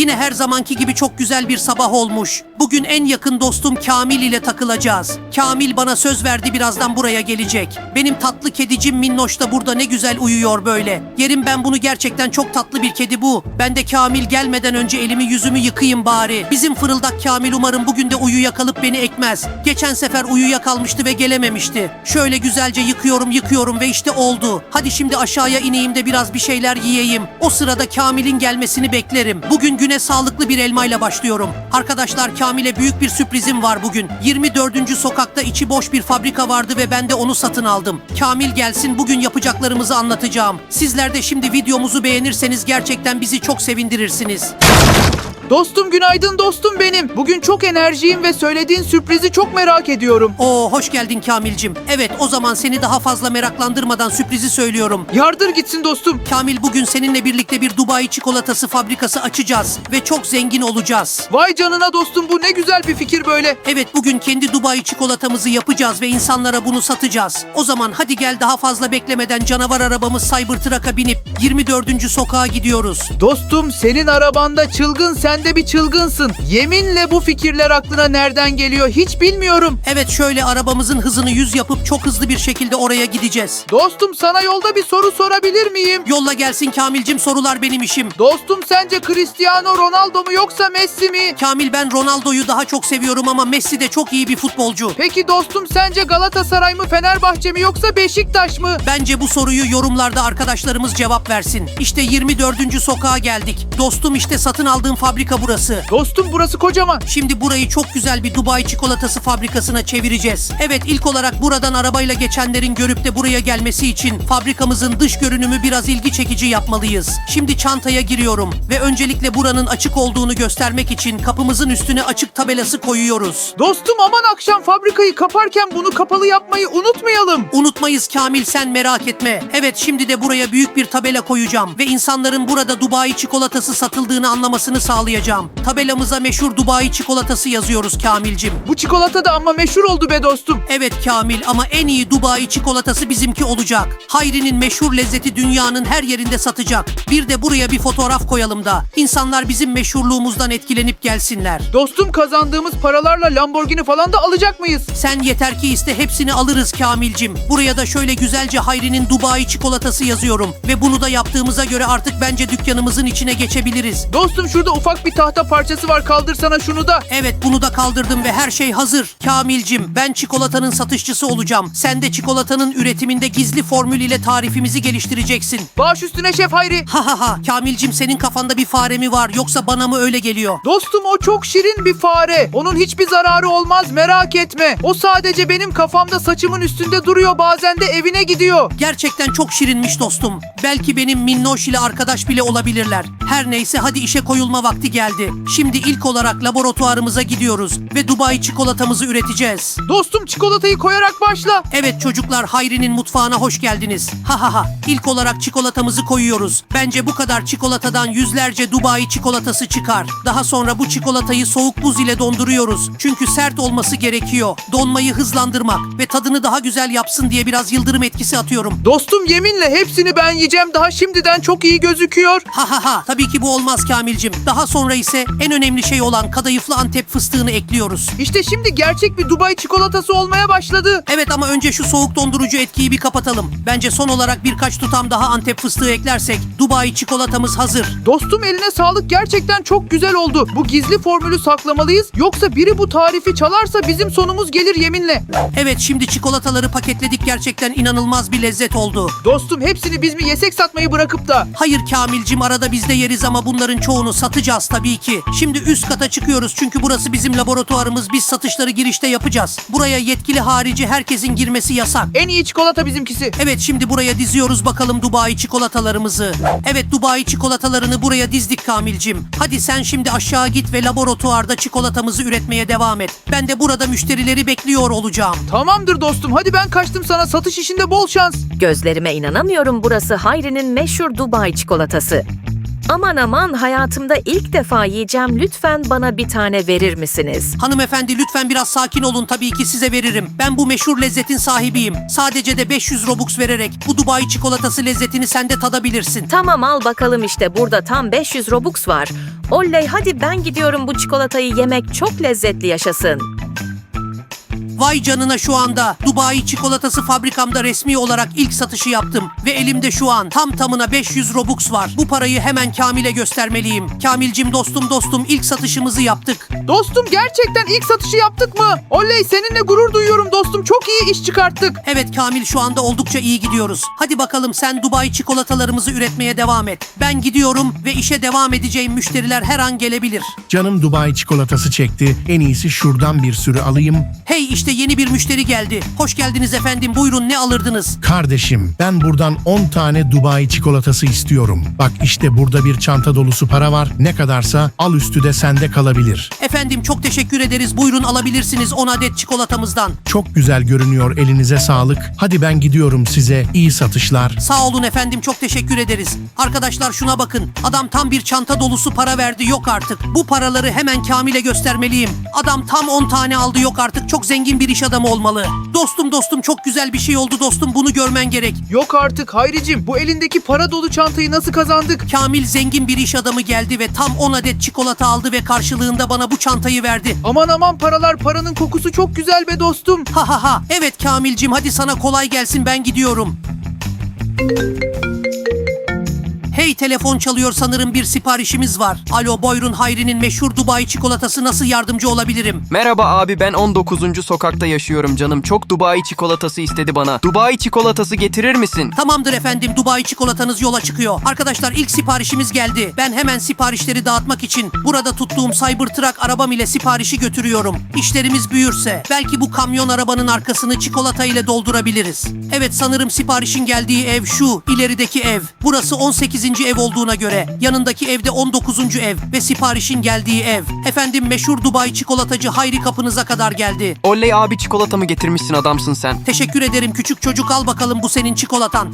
Yine her zamanki gibi çok güzel bir sabah olmuş. Bugün en yakın dostum Kamil ile takılacağız. Kamil bana söz verdi, birazdan buraya gelecek. Benim tatlı kedicim Minnoş da burada ne güzel uyuyor böyle. Yerim ben bunu, gerçekten çok tatlı bir kedi bu. Ben de Kamil gelmeden önce elimi yüzümü yıkayayım bari. Bizim fırıldak Kamil umarım bugün de uyuyakalıp beni ekmez. Geçen sefer uyuyakalmıştı ve gelememişti. Şöyle güzelce yıkıyorum ve işte oldu. Hadi şimdi aşağıya ineyim de biraz bir şeyler yiyeyim. O sırada Kamil'in gelmesini beklerim. Bugün güne sağlıklı bir elmayla başlıyorum. Arkadaşlar, Kamil'e büyük bir sürprizim var bugün. 24. sokakta içi boş bir fabrika vardı ve ben de onu satın aldım. Kamil gelsin, bugün yapacaklarımızı anlatacağım. Sizler de şimdi videomuzu beğenirseniz gerçekten bizi çok sevindirirsiniz. Dostum günaydın dostum benim. Bugün çok enerjiyim ve söylediğin sürprizi çok merak ediyorum. Oo, hoş geldin Kamil'cim. Evet, o zaman seni daha fazla meraklandırmadan sürprizi söylüyorum. Yardır gitsin dostum. Kamil, bugün seninle birlikte bir Dubai çikolatası fabrikası açacağız ve çok zengin olacağız. Vay canına dostum, bu ne güzel bir fikir böyle. Evet, bugün kendi Dubai çikolatamızı yapacağız ve insanlara bunu satacağız. O zaman hadi gel, daha fazla beklemeden canavar arabamız Cybertruck'a binip 24. sokağa gidiyoruz. Dostum, senin arabanda çılgın, sen de bir çılgınsın. Yeminle bu fikirler aklına nereden geliyor hiç bilmiyorum. Evet, şöyle arabamızın hızını 100 yapıp çok hızlı bir şekilde oraya gideceğiz. Dostum, sana yolda bir soru sorabilir miyim? Yolla gelsin Kamil'cim, sorular benim işim. Dostum, sence Cristiano Ronaldo mu yoksa Messi mi? Kamil, ben Ronaldo'yu daha çok seviyorum ama Messi de çok iyi bir futbolcu. Peki dostum, sence Galatasaray mı Fenerbahçe mi yoksa Beşiktaş mı? Bence bu soruyu yorumlarda arkadaşlarımız cevap versin. İşte 24. sokağa geldik. Dostum, işte satın aldığım fabrika burası. Dostum, burası kocaman. Şimdi burayı çok güzel bir Dubai çikolatası fabrikasına çevireceğiz. Evet, ilk olarak buradan arabayla geçenlerin görüp de buraya gelmesi için fabrikamızın dış görünümü biraz ilgi çekici yapmalıyız. Şimdi çantaya giriyorum ve öncelikle buranın açık olduğunu göstermek için kapımızın üstüne açık tabelası koyuyoruz. Dostum, aman akşam fabrikayı kaparken bunu kapalı yapmayı unutmayalım. Unutmayız Kamil, sen merak etme. Evet, şimdi de buraya büyük bir tabela koyacağım ve insanların burada Dubai çikolatası satıldığını anlamasını sağlayacağım. Tabelamıza meşhur Dubai çikolatası yazıyoruz Kamil'cim. Bu çikolata da ama meşhur oldu be dostum. Evet Kamil, ama en iyi Dubai çikolatası bizimki olacak. Hayri'nin meşhur lezzeti dünyanın her yerinde satacak. Bir de buraya bir fotoğraf koyalım da insanlar bizim meşhurluğumuzdan etkilenip gelsinler. Dostum, kazandığımız paralarla Lamborghini falan da alacak mıyız? Sen yeter ki iste, hepsini alırız Kamil'cim. Buraya da şöyle güzelce Hayri'nin Dubai çikolatası yazıyorum. Ve bunu da yaptığımıza göre artık bence dükkanımızın içine geçebiliriz. Dostum, şurada ufak bir tahta parçası var, kaldırsana şunu da. Evet, bunu da kaldırdım ve her şey hazır. Kamil'cim, ben çikolatanın satışçısı olacağım. Sen de çikolatanın üretiminde gizli formül ile tarifimizi geliştireceksin. Baş üstüne şef Hayri. Ha ha ha, Kamil'cim, senin kafanda bir fare mi var yoksa bana mı öyle geliyor? Dostum, o çok şirin bir fare. Onun hiçbir zararı olmaz, merak etme. O sadece benim kafamda saçımın üstünde duruyor, bazen de evine gidiyor. Gerçekten çok şirinmiş dostum. Belki benim Minnoş ile arkadaş bile olabilirler. Her neyse, hadi işe koyulma vakti geldi. Şimdi ilk olarak laboratuvarımıza gidiyoruz ve Dubai çikolatamızı üreteceğiz. Dostum, çikolatayı koyarak başla. Evet çocuklar, Hayri'nin mutfağına hoş geldiniz. Ha ha ha. İlk olarak çikolatamızı koyuyoruz. Bence bu kadar çikolatadan yüzlerce Dubai çikolatası çıkar. Daha sonra bu çikolatayı soğuk buz ile donduruyoruz. Çünkü sert olması gerekiyor. Donmayı hızlandırmak ve tadını daha güzel yapsın diye biraz yıldırım etkisi atıyorum. Dostum, yeminle hepsini ben yiyeceğim, daha şimdiden çok iyi gözüküyor. Ha ha ha. Tabii ki bu olmaz Kamil'cim. Daha sonra ise en önemli şey olan kadayıflı Antep fıstığını ekliyoruz. İşte şimdi gerçek bir Dubai çikolatası olmaya başladı. Evet, ama önce şu soğuk dondurucu etkiyi bir kapatalım. Bence son olarak birkaç tutam daha Antep fıstığı eklersek Dubai çikolatamız hazır. Dostum, eline sağlık, gerçekten çok güzel oldu. Bu gizli formülü saklamalıyız, yoksa biri bu tarifi çalarsa bizim sonumuz gelir yeminle. Evet, şimdi çikolataları paketledik, gerçekten inanılmaz bir lezzet oldu. Dostum, hepsini biz mi yesek satmayı bırakıp da? Hayır Kamil'cim, arada biz de yeriz ama bunların çoğunu satacağız tabii ki. Şimdi üst kata çıkıyoruz çünkü burası bizim laboratuvarımız, biz satışları girişte yapacağız. Buraya yetkili harici herkesin girmesi yasak. En iyi çikolata bizimkisi. Evet, şimdi buraya diziyoruz bakalım Dubai çikolatalarımızı. Evet, Dubai çikolatalarını buraya dizdik Kamil'cim. Hadi sen şimdi aşağı git ve laboratuvarda çikolatamızı üretmeye devam et. Ben de burada müşterileri bekliyor olacağım. Tamamdır dostum, hadi ben kaçtım, sana satış işinde bol şans. Gözlerime inanamıyorum, burası Hayri'nin meşhur Dubai çikolatası. Aman aman, hayatımda ilk defa yiyeceğim. Lütfen bana bir tane verir misiniz? Hanımefendi lütfen biraz sakin olun, tabii ki size veririm. Ben bu meşhur lezzetin sahibiyim. Sadece de 500 Robux vererek bu Dubai çikolatası lezzetini sen de tadabilirsin. Tamam, al bakalım, işte burada tam 500 Robux var. Oley, hadi ben gidiyorum, bu çikolatayı yemek çok lezzetli, yaşasın. Vay canına, şu anda Dubai çikolatası fabrikamda resmi olarak ilk satışı yaptım. Ve elimde şu an tam tamına 500 Robux var. Bu parayı hemen Kamil'e göstermeliyim. Kamilcim dostum ilk satışımızı yaptık. Dostum, gerçekten ilk satışı yaptık mı? Oley, seninle gurur duyuyorum dostum. Çok iyi iş çıkarttık. Evet Kamil, şu anda oldukça iyi gidiyoruz. Hadi bakalım, sen Dubai çikolatalarımızı üretmeye devam et. Ben gidiyorum ve işe devam edeceğim müşteriler her an gelebilir. Canım Dubai çikolatası çekti. En iyisi şuradan bir sürü alayım. Hey, işte yeni bir müşteri geldi. Hoş geldiniz efendim, buyurun, ne alırdınız? Kardeşim, ben buradan 10 tane Dubai çikolatası istiyorum. Bak işte burada bir çanta dolusu para var. Ne kadarsa al, üstü de sende kalabilir. Efendim çok teşekkür ederiz, buyurun alabilirsiniz 10 adet çikolatamızdan. Çok güzel görünüyor, elinize sağlık. Hadi ben gidiyorum, size iyi satışlar. Sağ olun efendim, çok teşekkür ederiz. Arkadaşlar şuna bakın, adam tam bir çanta dolusu para verdi, yok artık. Bu paraları hemen Kamil'e göstermeliyim. Adam tam 10 tane aldı, yok artık, çok zengin bir iş adamı olmalı. Dostum çok güzel bir şey oldu dostum, bunu görmen gerek. Yok artık Hayricim, bu elindeki para dolu çantayı nasıl kazandık? Kamil zengin bir iş adamı geldi ve tam 10 adet çikolata aldı ve karşılığında bana bu çantayı verdi. Aman paralar, paranın kokusu çok güzel be dostum. Ha. Evet Kamilcim, hadi sana kolay gelsin, ben gidiyorum. Hey, telefon çalıyor, sanırım bir siparişimiz var. Alo, buyurun, Hayri'nin meşhur Dubai çikolatası, nasıl yardımcı olabilirim? Merhaba abi, ben 19. sokakta yaşıyorum canım. Çok Dubai çikolatası istedi bana. Dubai çikolatası getirir misin? Tamamdır efendim, Dubai çikolatanız yola çıkıyor. Arkadaşlar ilk siparişimiz geldi. Ben hemen siparişleri dağıtmak için burada tuttuğum Cybertruck arabam ile siparişi götürüyorum. İşlerimiz büyürse belki bu kamyon arabanın arkasını çikolata ile doldurabiliriz. Evet, sanırım siparişin geldiği ev şu ilerideki ev. Burası 18. ev olduğuna göre yanındaki evde 19. ev ve siparişin geldiği ev. Efendim meşhur Dubai çikolatacı Hayri kapınıza kadar geldi. Oley abi, çikolatamı getirmişsin, adamsın sen. Teşekkür ederim küçük çocuk, al bakalım, bu senin çikolatan.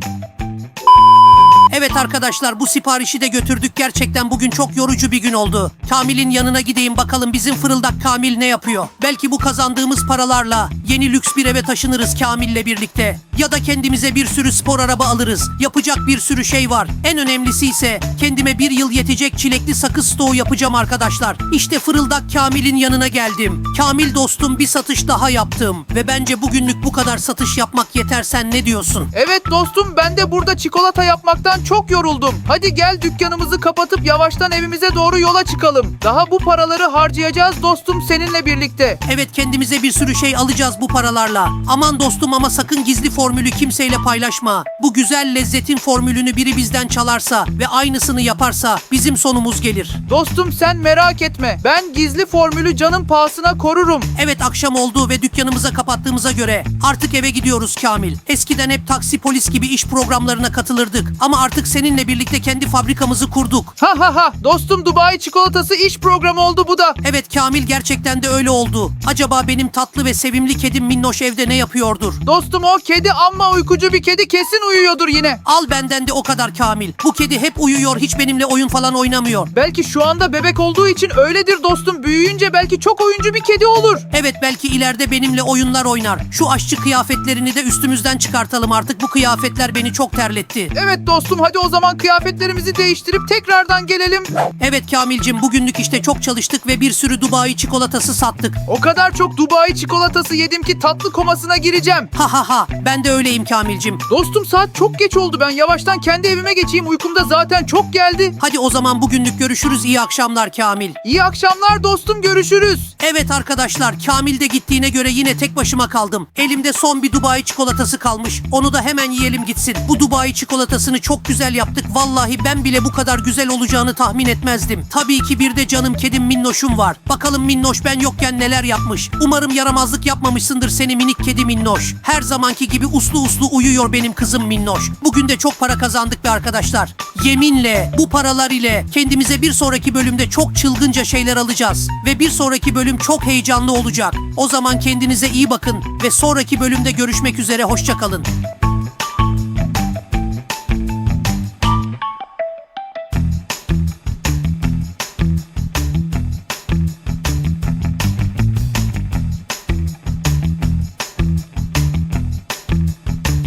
Evet arkadaşlar, bu siparişi de götürdük. Gerçekten bugün çok yorucu bir gün oldu. Kamil'in yanına gideyim bakalım, bizim fırıldak Kamil ne yapıyor? Belki bu kazandığımız paralarla yeni lüks bir eve taşınırız Kamil'le birlikte. Ya da kendimize bir sürü spor araba alırız. Yapacak bir sürü şey var. En önemlisi ise kendime bir yıl yetecek çilekli sakız stoğu yapacağım arkadaşlar. İşte fırıldak Kamil'in yanına geldim. Kamil dostum, bir satış daha yaptım. Ve bence bugünlük bu kadar satış yapmak yeter, sen ne diyorsun? Evet dostum, ben de burada çikolata yapmaktan çok yoruldum. Hadi gel dükkanımızı kapatıp yavaştan evimize doğru yola çıkalım. Daha bu paraları harcayacağız dostum seninle birlikte. Evet, kendimize bir sürü şey alacağız bu paralarla. Aman dostum, ama sakın gizli formülü kimseyle paylaşma. Bu güzel lezzetin formülünü biri bizden çalarsa ve aynısını yaparsa bizim sonumuz gelir. Dostum sen merak etme. Ben gizli formülü canım pahasına korurum. Evet, akşam oldu ve dükkanımıza kapattığımıza göre artık eve gidiyoruz Kamil. Eskiden hep taksi, polis gibi iş programlarına katılırdık. Ama artık seninle birlikte kendi fabrikamızı kurduk. Ha dostum, Dubai çikolatası iş programı oldu bu da. Evet Kamil, gerçekten de öyle oldu. Acaba benim tatlı ve sevimli kedim Minnoş evde ne yapıyordur? Dostum o kedi amma uykucu bir kedi, kesin uyuyordur yine. Al benden de o kadar Kamil. Bu kedi hep uyuyor, hiç benimle oyun falan oynamıyor. Belki şu anda bebek olduğu için öyledir dostum. Büyüyünce belki çok oyuncu bir kedi olur. Evet, belki ileride benimle oyunlar oynar. Şu aşçı kıyafetlerini de üstümüzden çıkartalım artık. Bu kıyafetler beni çok terletti. Evet dostum, hadi o zaman kıyafetlerimizi değiştirip tekrardan gelelim. Evet Kamilcim, bugünlük işte çok çalıştık ve bir sürü Dubai çikolatası sattık. O kadar çok Dubai çikolatası yedim ki tatlı komasına gireceğim. Ha, ben de öyleyim Kamilcim. Dostum saat çok geç oldu, ben yavaştan kendi evime geçeyim, uykum da zaten çok geldi. Hadi o zaman bugünlük görüşürüz, iyi akşamlar Kamil. İyi akşamlar dostum, görüşürüz. Evet arkadaşlar, Kamil de gittiğine göre yine tek başıma kaldım. Elimde son bir Dubai çikolatası kalmış. Onu da hemen yiyelim gitsin. Bu Dubai çikolatasını çok güzel yaptık. Vallahi ben bile bu kadar güzel olacağını tahmin etmezdim. Tabii ki bir de canım kedim Minnoş'um var. Bakalım Minnoş ben yokken neler yapmış. Umarım yaramazlık yapmamışsındır seni minik kedi Minnoş. Her zamanki gibi uslu uyuyor benim kızım Minnoş. Bugün de çok para kazandık be arkadaşlar. Yeminle bu paralar ile kendimize bir sonraki bölümde çok çılgınca şeyler alacağız. Ve bir sonraki bölüm çok heyecanlı olacak. O zaman kendinize iyi bakın ve sonraki bölümde görüşmek üzere, hoşça kalın.